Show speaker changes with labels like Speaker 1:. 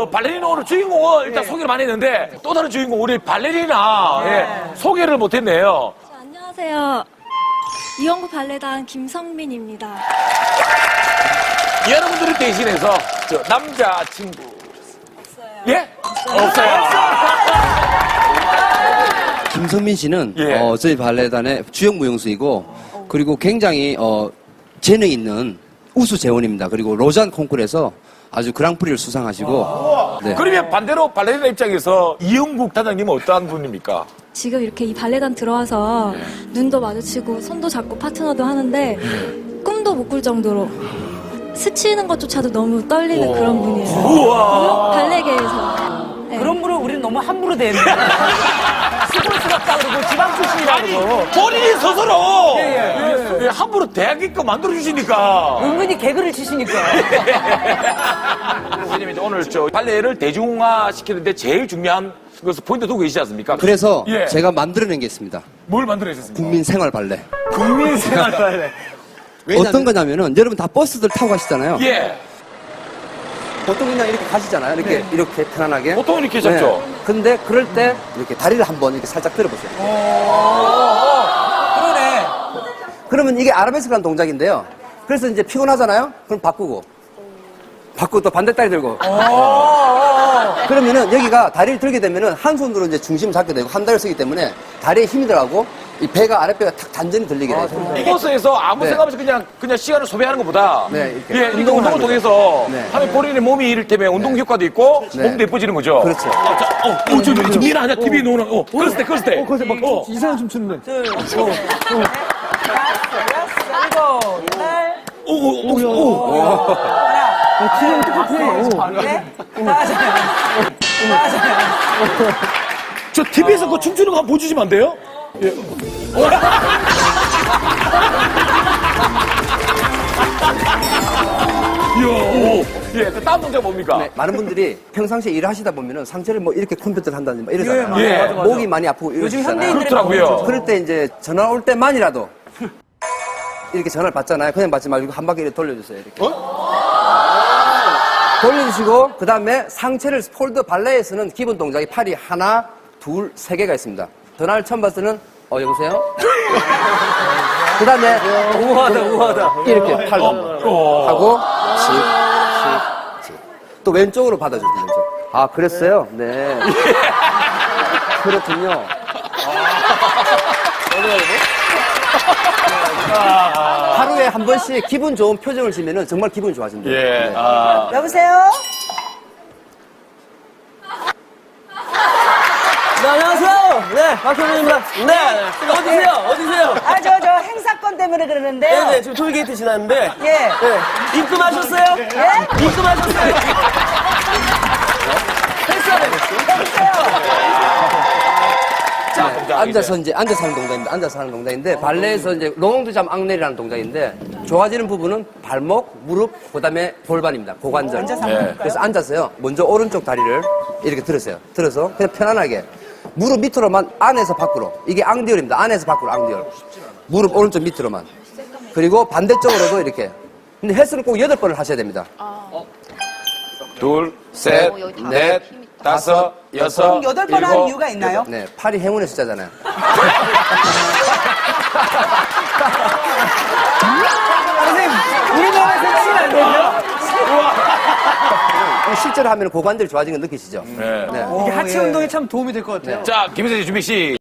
Speaker 1: 그 발레리나 오늘 주인공은 일단 소개를 많이 했는데 또 다른 주인공 우리 발레리나 소개를 못했네요.
Speaker 2: 자, 안녕하세요. 이영구 발레단 김성민입니다.
Speaker 1: 여러분들을 대신해서 저 남자친구 없어요. 예? 없어요.
Speaker 3: 김성민 씨는
Speaker 1: 예.
Speaker 3: 저희 발레단의 주역 무용수이고 그리고 굉장히 재능 있는 우수 재원입니다. 그리고 로잔 콩쿠르에서 아주 그랑프리를 수상하시고 네.
Speaker 1: 그러면 반대로 발레리나 입장에서 이영국 단장님은 어떠한 분입니까?
Speaker 2: 지금 이렇게 이 발레단 들어와서 눈도 마주치고 손도 잡고 파트너도 하는데 꿈도 못 꿀 정도로 스치는 것조차도 너무 떨리는 그런 분이에요.
Speaker 1: 우와.
Speaker 2: 발레계에서. 네.
Speaker 4: 그런 분을 우리는 너무 함부로 대했네. 스포츠럽다 그러고 지방 출신이라 그러고.
Speaker 1: 본인이 스스로
Speaker 4: 예.
Speaker 1: 함부로 대하게끔 만들어주시니까.
Speaker 4: 은근히 개그를 치시니까.
Speaker 1: 선생님 이제 오늘 저 발레를 대중화 시키는데 제일 중요한 것을 포인트 두고 계시지 않습니까?
Speaker 3: 그래서
Speaker 1: 예.
Speaker 3: 제가 만들어낸 게 있습니다.
Speaker 1: 뭘 만들어내셨습니까?
Speaker 3: 국민 생활 발레.
Speaker 1: 국민생활 발레.
Speaker 3: 어떤 거냐면은 여러분 다 버스들 타고 가시잖아요.
Speaker 1: 예.
Speaker 3: 보통 그냥 이렇게 가시잖아요. 이렇게 이렇게 편안하게.
Speaker 1: 보통 이렇게 잡죠.
Speaker 3: 근데 그럴 때 이렇게 다리를 한번 이렇게 살짝 들어보세요.
Speaker 4: 그러네.
Speaker 3: 그러면 이게 아라베스크라는 동작인데요. 그래서 이제 피곤하잖아요. 그럼 바꾸고 또 반대 다리 들고. 그러면은 여기가 다리를 들게 되면은 한 손으로 이제 중심을 잡게 되고 한 다리를 쓰기 때문에 다리에 힘이 들어가고 이 배가 아랫배가 탁 단전히 들리게 돼요.
Speaker 1: 버스에서 아무
Speaker 3: 네.
Speaker 1: 생각 없이 그냥 시간을 소비하는 것보다
Speaker 3: 네, 이렇게
Speaker 1: 예, 이렇게
Speaker 3: 운동을
Speaker 1: 운동을
Speaker 3: 하는
Speaker 1: 통해서
Speaker 3: 네.
Speaker 1: 하면 본인의 몸이 이를테면 운동 효과도 있고
Speaker 3: 네.
Speaker 1: 몸도 예뻐지는 거죠.
Speaker 3: 그렇죠.
Speaker 1: 저 미나 하냐 TV 노는 그랬을 때.
Speaker 5: 이상한 춤 추는데.
Speaker 4: 둘, 셋, 여섯, 일곱, 여덟,
Speaker 5: 기분 똑같아.
Speaker 4: 넷, 다섯,
Speaker 1: 저 TV에서 그 춤추는 거 한번 보여주시면 안 돼요? 예. 예, 그 다음 동작 뭡니까?
Speaker 3: 네, 많은 분들이 평상시에 일을 하시다 보면은 상체를 뭐 이렇게 컴퓨터를 한다든지 막 이러잖아요.
Speaker 1: 예, 맞아,
Speaker 3: 목이 많이 아프고
Speaker 4: 요즘
Speaker 3: 이러시잖아요.
Speaker 4: 현대인들이
Speaker 1: 그렇더라고요.
Speaker 3: 그럴 때 이제 전화 올 때만이라도 이렇게 전화를 받잖아요. 그냥 받지 말고 한 바퀴 이렇게 돌려주세요. 이렇게. 돌려주시고 그 다음에 상체를 폴드 발레에서는 기본 동작이 팔이 하나, 둘, 세 개가 있습니다. 전화를 처음 봤을 때는 여보세요? 그 다음에 우아하다 이렇게 팔 하고 씩 또 왼쪽으로 받아주세요. 왼쪽. 아 그랬어요? 네. 그렇군요. 하루에 한 번씩 기분 좋은 표정을 지면은 정말 기분이 좋아진대요.
Speaker 1: 예.
Speaker 4: 여보세요?
Speaker 5: 네, 안녕하세요. 네, 박현민입니다. 네, 어디세요?
Speaker 4: 저 행사건 때문에 그러는데요.
Speaker 5: 네, 지금 톨게이트 지났는데.
Speaker 4: 예.
Speaker 5: 네, 입금하셨어요?
Speaker 4: 예?
Speaker 5: 입금하셨어요?
Speaker 3: 앉아서 하는 동작입니다. 앉아서 하는 동작인데 발레에서 이제 롱드잠 앙넬이라는 동작인데 좋아지는 부분은 발목, 무릎, 그다음에 골반입니다. 고관절.
Speaker 1: 네.
Speaker 3: 그래서 앉아서요. 먼저 오른쪽 다리를 이렇게 들으세요. 들어서 그냥 편안하게 무릎 밑으로만 안에서 밖으로. 이게 앙디얼입니다. 안에서 밖으로 앙디얼. 무릎 오른쪽 밑으로만. 그리고 반대쪽으로도 이렇게. 근데 헬스는 꼭 8번을 하셔야 됩니다.
Speaker 1: 둘, 셋, 넷, 다섯, 여섯,
Speaker 4: 그럼 8번 한 이유가 있나요?
Speaker 3: 네, 팔이 행운의 숫자잖아요.
Speaker 4: 선생님, 우리나라에서 치면 안 되죠?
Speaker 3: 실제로 하면 고관절이 좋아지는 거 느끼시죠?
Speaker 1: 네.
Speaker 3: 네.
Speaker 5: 이게 하체 운동에 참 도움이 될 것 같아요.
Speaker 1: 자, 김희선 씨 준비 시.